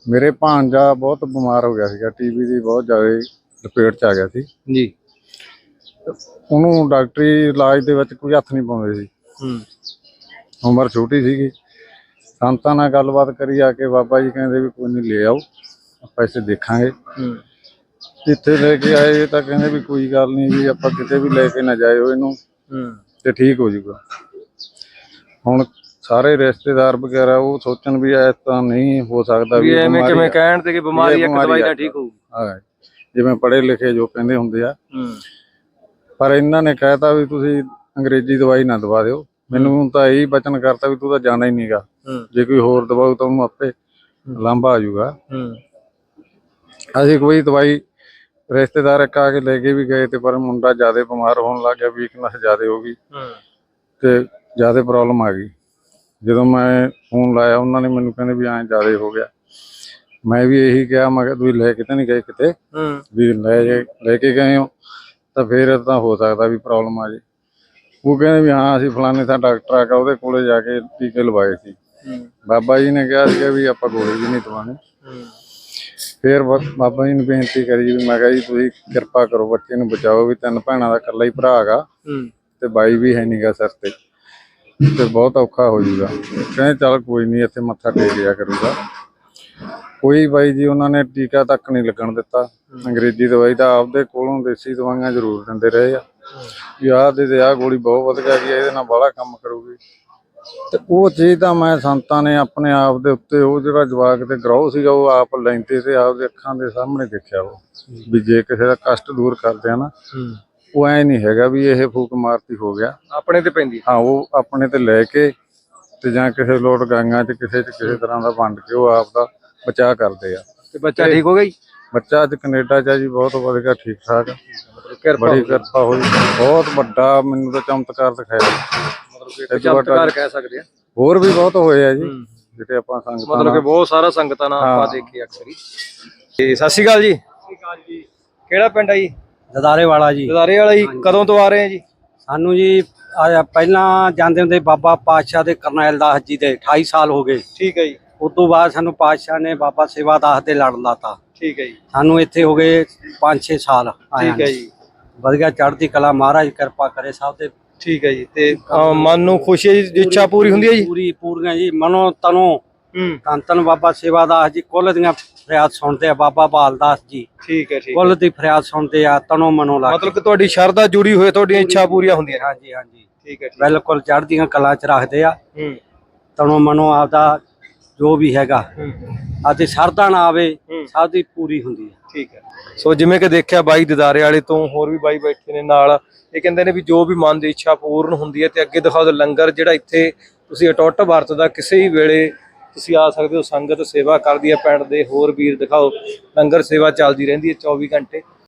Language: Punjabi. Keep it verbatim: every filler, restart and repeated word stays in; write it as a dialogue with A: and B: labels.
A: ਮੇਰੇ ਭਾਂਜਾ ਬਹੁਤ ਬਿਮਾਰ ਹੋ ਗਿਆ ਸੀਗਾ, ਟੀਬੀ ਦੀ ਬਹੁਤ ਜ਼ਿਆਦਾ ਲਪੇਟ 'ਚ ਆ ਗਿਆ ਸੀ
B: ਜੀ।
A: ਉਹਨੂੰ ਡਾਕਟਰੀ ਇਲਾਜ ਦੇ ਵਿੱਚ ਕੋਈ ਹੱਥ ਨਹੀਂ ਪਾਉਂਦੇ ਸੀ।
B: ਹੂੰ
A: ਉਮਰ ਛੋਟੀ ਸੀਗੀ। ਸੰਤਾਂ ਨਾਲ ਗੱਲਬਾਤ ਕਰੀ ਆ ਕੇ ਬਾਬਾ ਜੀ ਕਹਿੰਦੇ ਵੀ ਕੋਈ ਨਹੀਂ ਲੈ ਆਓ, ਆਪਾਂ ਇੱਥੇ ਦੇਖਾਂਗੇ।
B: ਹੂੰ
A: ਜਿੱਥੇ ਲੈ ਕੇ ਆਏ ਤਾਂ ਕਹਿੰਦੇ ਵੀ ਕੋਈ ਗੱਲ ਨਹੀਂ ਵੀ ਆਪਾਂ ਕਿਤੇ ਵੀ ਲੈ ਕੇ ਨਾ ਜਾਇਓ ਇਹਨੂੰ
B: ਹੂੰ
A: ਤੇ ਠੀਕ ਹੋ ਜਾਊਗਾ। ਹੁਣ ਸਾਰੇ ਰਿਸ਼ਤੇਦਾਰ ਵਗੈਰਾ ਉਹ ਸੋਚਣ ਵੀ ਐ ਤਾਂ ਨਹੀਂ ਹੋ ਸਕਦਾ
B: ਵੀ
A: ਵੀ
B: ਐਵੇਂ ਕਿਵੇਂ ਕਹਿਣ ਤੇ ਕਿ ਬਿਮਾਰੀ ਇੱਕ ਦਵਾਈ ਨਾਲ ਠੀਕ ਹੋਊ।
A: ਹਾਂ, ਜਿਵੇਂ ਪੜ੍ਹੇ ਲਿਖੇ ਜੋ ਕਹਿੰਦੇ ਹੁੰਦੇ ਆ।
B: ਹੂੰ
A: ਪਰ ਇਹਨਾਂ ਨੇ ਕਹਿਤਾ ਵੀ ਤੁਸੀਂ ਅੰਗਰੇਜ਼ੀ ਦਵਾਈ ਨਾ ਦਵਾ ਦਿਓ। ਮੈਨੂੰ ਤਾਂ ਇਹੀ ਬਚਨ ਕਰਤਾ ਵੀ ਤੂੰ ਤਾਂ ਜਾਣਾ ਹੀ ਨਹੀਂਗਾ, ਜੇ ਕੋਈ ਹੋਰ ਦਵਾਊ ਤਾਂ ਉਹਨੂੰ ਆਪੇ ਲਾਂਭਾ ਆ ਜਾਊਗਾ। ਅਸੀਂ ਕੋਈ ਦਵਾਈ ਰਿਸ਼ਤੇਦਾਰ ਇੱਕ ਆ ਕੇ ਲੈ ਕੇ ਵੀ ਗਏ ਤੇ ਪਰ ਮੁੰਡਾ ਜ਼ਿਆਦਾ ਬਿਮਾਰ ਹੋਣ ਲੱਗ ਗਿਆ, ਵੀਕਨੈਸ ਜ਼ਿਆਦਾ ਹੋ ਗਈ ਤੇ ਜ਼ਿਆਦਾ ਪ੍ਰੋਬਲਮ ਆ ਗਈ। ਜਦੋਂ ਮੈਂ ਫੋਨ ਲਾਇਆ ਉਹਨਾਂ ਨੇ ਮੈਨੂੰ ਕਹਿੰਦੇ ਵੀ ਐਂ ਜ਼ਿਆਦਾ ਹੋ ਗਿਆ। ਮੈਂ ਵੀ ਇਹੀ ਕਿਹਾ, ਮੈਂ ਕਿਹਾ ਤੁਸੀਂ ਲੈ ਕੇ ਤਾਂ ਨਹੀਂ ਗਏ ਕਿਤੇ, ਵੀ ਲੈ ਜੇ ਲੈ ਕੇ ਗਏ ਹੋ ਤਾਂ ਫਿਰ ਤਾਂ ਹੋ ਸਕਦਾ ਵੀ ਪ੍ਰੋਬਲਮ ਆ ਜੇ। ਉਹ ਕਹਿੰਦੇ ਵੀ ਹਾਂ ਅਸੀਂ ਫਲਾਣੇ ਥਾਂ ਡਾਕਟਰ ਆ ਕੇ ਉਹਦੇ ਕੋਲੇ ਜਾ ਕੇ ਟੀਕੇ ਲਵਾਏ ਸੀ। ਬਾਬਾ ਜੀ ਨੇ ਕਿਹਾ ਸੀਗਾ ਵੀ ਆਪਾਂ ਗੋਲੀ ਵੀ ਨਹੀਂ ਦਵਾਉਣੀ। ਫਿਰ ਬਾਬਾ ਜੀ ਨੂੰ ਬੇਨਤੀ ਕਰੀ ਵੀ ਮੈਂ ਕਿਹਾ ਜੀ ਤੁਸੀਂ ਕਿਰਪਾ ਕਰੋ, ਬੱਚੇ ਨੂੰ ਬਚਾਓ, ਵੀ ਤਿੰਨ ਭੈਣਾਂ ਦਾ ਇਕੱਲਾ ਹੀ ਭਰਾ ਹੈਗਾ ਤੇ ਬਾਈ ਵੀ ਹੈ ਨੀਗਾ ਸਿਰ ਤੇ ਤੇ ਬਹੁਤ ਔਖਾ ਹੋ ਜਾਊਗਾ। ਕਹਿੰਦੇ ਚੱਲ ਕੋਈ ਨਹੀਂ, ਇੱਥੇ ਮੱਥਾ ਟੇਕ ਲਿਆ ਕਰੂਗਾ। ਕੋਈ ਬਾਈ ਜੀ ਉਹਨਾਂ ਨੇ ਟੀਕਾ ਤੱਕ ਨਹੀਂ ਲੱਗਣ ਦਿੱਤਾ। ਅੰਗਰੇਜ਼ੀ ਦਵਾਈ ਤਾਂ ਆਪਦੇ ਕੋਲੋਂ ਦੇਸੀ ਦਵਾਈਆਂ ਜ਼ਰੂਰ ਦਿੰਦੇ ਰਹੇ ਆ ਵੀ ਆਹ ਦੇ ਆਹ ਗੋਲੀ ਬਹੁਤ ਵਧੀਆ ਗਈ, ਇਹਦੇ ਨਾਲ ਬਾਹਲਾ ਕੰਮ ਕਰੂਗੀ। ਤੇ ਉਹ ਚੀਜ਼ ਤਾਂ ਮੈਂ ਸੰਤਾਂ ਨੇ ਆਪਣੇ ਆਪ ਦੇ ਉੱਤੇ ਉਹ ਜਿਹੜਾ ਜਵਾਕ ਤੇ ਗਰੋਹ ਸੀਗਾ ਉਹ ਆਪ ਲੈਂਦੇ ਤੇ ਆਪਦੇ ਅੱਖਾਂ ਦੇ ਸਾਹਮਣੇ ਦੇਖਿਆ ਉਹ ਵੀ ਜੇ ਕਿਸੇ ਦਾ ਕਸ਼ਟ ਦੂਰ ਕਰਦੇ ਆ ਨਾ, ਉਹ ਐ ਨਹੀਂ ਹੈਗਾ ਵੀ ਇਹ ਫੂਕ ਮਾਰਤੀ ਹੋ ਗਿਆ,
B: ਆਪਣੇ ਤੇ ਪੈਂਦੀ।
A: ਹਾਂ, ਉਹ ਆਪਣੇ ਤੇ ਲੈ ਕੇ ਤੇ ਜਾਂ ਕਿਸੇ ਲੋਟ ਗਾਂਗਾਂ 'ਚ ਕਿਸੇ 'ਚ ਕਿਸੇ ਤਰ੍ਹਾਂ ਦਾ ਵੰਡ ਕੇ ਉਹ ਆਪ ਦਾ ਬਚਾਅ ਕਰਦੇ ਆ।
B: ਤੇ ਬੱਚਾ ਠੀਕ ਹੋ ਗਿਆ ਜੀ?
A: ਬੱਚਾ ਅੱਜ ਕੈਨੇਡਾ 'ਚ ਆ ਜੀ, ਬਹੁਤ ਵਧੀਆ, ਠੀਕ ਠਾਕ, ਬੜੀ ਕਿਰਪਾ ਹੋਈ, ਬਹੁਤ ਵੱਡਾ ਮੈਨੂੰ ਤਾਂ ਚਮਤਕਾਰ ਦਿਖਾਇਆ।
B: ਚਮਤਕਾਰ ਕਹਿ ਸਕਦੇ ਆ,
A: ਹੋਰ ਵੀ ਬਹੁਤ ਹੋਏ ਆ ਜੀ ਜਿਹੜੇ ਆਪਾਂ ਸੰਗਤਾਂ
B: ਮਤਲਬ ਕਿ ਬਹੁਤ ਸਾਰਾ ਸੰਗਤਾਂ ਨਾਲ ਆਪਾਂ ਦੇਖੇ ਅਕਸਰ ਹੀ। ਤੇ ਸਤਿ ਸ਼੍ਰੀ ਅਕਾਲ ਜੀ। ਸਤਿ ਸ਼੍ਰੀ ਅਕਾਲ ਜੀ। ਕਿਹੜਾ ਪਿੰਡ ਆ ਜੀ?
C: ਦਦਾਰੇ ਵਾਲਾ ਜੀ।
B: ਦਦਾਰੇ ਵਾਲਾ ਜੀ। ਕਦੋਂ ਤੋਂ ਆ ਰਹੇ ਆ ਜੀ?
C: ਸਾਨੂੰ ਜੀ ਪਹਿਲਾਂ ਜਾਂਦੇ ਹੁੰਦੇ ਬਾਬਾ ਪਾਤਸ਼ਾਹ ਦੇ ਕਰਨੈਲ ਦਾਸ ਜੀ ਦੇ ਅਠਾਈ ਸਾਲ ਹੋ ਗਏ।
B: ਠੀਕ ਹੈ ਜੀ।
C: ਉਸ ਤੋਂ ਬਾਅਦ ਸਾਨੂੰ ਪਾਤਸ਼ਾਹ ਨੇ ਬਾਬਾ ਸੇਵਾ ਦਾਸ ਦੇ ਲੜ ਲਾਤਾ।
B: ਠੀਕ ਹੈ ਜੀ।
C: ਸਾਨੂੰ ਇੱਥੇ ਹੋ ਗਏ ਪੰਜ ਛੇ ਸਾਲ।
B: ਠੀਕ ਹੈ ਜੀ।
C: ਵਧੀਆ ਚੜ੍ਹਦੀ ਕਲਾ, ਮਹਾਰਾਜ ਕਿਰਪਾ ਕਰੇ ਸਭ ਤੇ।
B: ਠੀਕ ਹੈ ਜੀ। ਤੇ ਮਨ ਨੂੰ ਖੁਸ਼ੀ ਹੈ ਜੀ, ਇੱਛਾ ਪੂਰੀ ਹੁੰਦੀ ਹੈ ਜੀ?
C: ਪੂਰੀ ਪੂਰੀਆਂ ਜੀ, ਮਨੋਂ ਤਨੋਂ। ਧੰਨ ਧੰਨ ਬਾਬਾ ਸੇਵਾ ਦਾਸ ਜੀ ਕੁੱਲ ਦੀਆਂ ਫਰਿਆਦ ਸੁਣਦੇ ਆ। ਬਾਬਾ ਬਾਲ ਦਾਸ ਜੀ
B: ਠੀਕ ਹੈ ਠੀਕ
C: ਕੁੱਲ ਦੀ ਫਰਿਆਦ ਸੁਣਦੇ ਆ, ਤਨੋਂ ਮਨੋਂ ਲਾ।
B: ਮਤਲਬ ਕਿ ਤੁਹਾਡੀ ਸ਼ਰਧਾ ਜੁੜੀ ਹੋਈ, ਤੁਹਾਡੀਆਂ ਇੱਛਾ ਪੂਰੀਆਂ ਹੁੰਦੀਆਂ?
C: ਹਾਂਜੀ ਹਾਂਜੀ,
B: ਠੀਕ ਹੈ,
C: ਬਿਲਕੁਲ ਚੜ੍ਹਦੀਆਂ ਕਲਾ ਚ ਰੱਖਦੇ ਆ। ਤਨੋਂ ਮਨੋਂ ਆਪਦਾ ਜੋ ਵੀ ਹੈਗਾ ਅਤੇ ਸ਼ਰਧਾ ਨਾ ਆਵੇ ਸਭ ਦੀ ਪੂਰੀ ਹੁੰਦੀ ਹੈ। ਠੀਕ ਹੈ।
B: ਸੋ ਜਿਵੇਂ ਕਿ ਦੇਖਿਆ ਬਾਈ ਦਦਾਰੇ ਵਾਲੇ ਤੋਂ ਹੋਰ ਵੀ ਬਾਈ ਬੈਠੇ ਨੇ ਨਾਲ, ਇਹ ਕਹਿੰਦੇ ਨੇ ਵੀ ਜੋ ਵੀ ਮਨ ਦੀ ਇੱਛਾ ਪੂਰਨ ਹੁੰਦੀ ਹੈ। ਤੇ ਅੱਗੇ ਦਿਖਾਓ ਲੰਗਰ ਜਿਹੜਾ ਇੱਥੇ ਤੁਸੀਂ ਅਟੁੱਟ ਵਰਤਦਾ, ਕਿਸੇ ਵੀ ਵੇਲੇ ਤੁਸੀਂ ਆ ਸਕਦੇ ਹੋ। ਸੰਗਤ ਸੇਵਾ ਕਰਦੀ ਹੈ ਪਿੰਡ ਦੇ, ਹੋਰ ਵੀਰ ਦਿਖਾਓ, ਲੰਗਰ ਸੇਵਾ ਚੱਲਦੀ ਰਹਿੰਦੀ ਹੈ ਚੌਵੀ ਘੰਟੇ।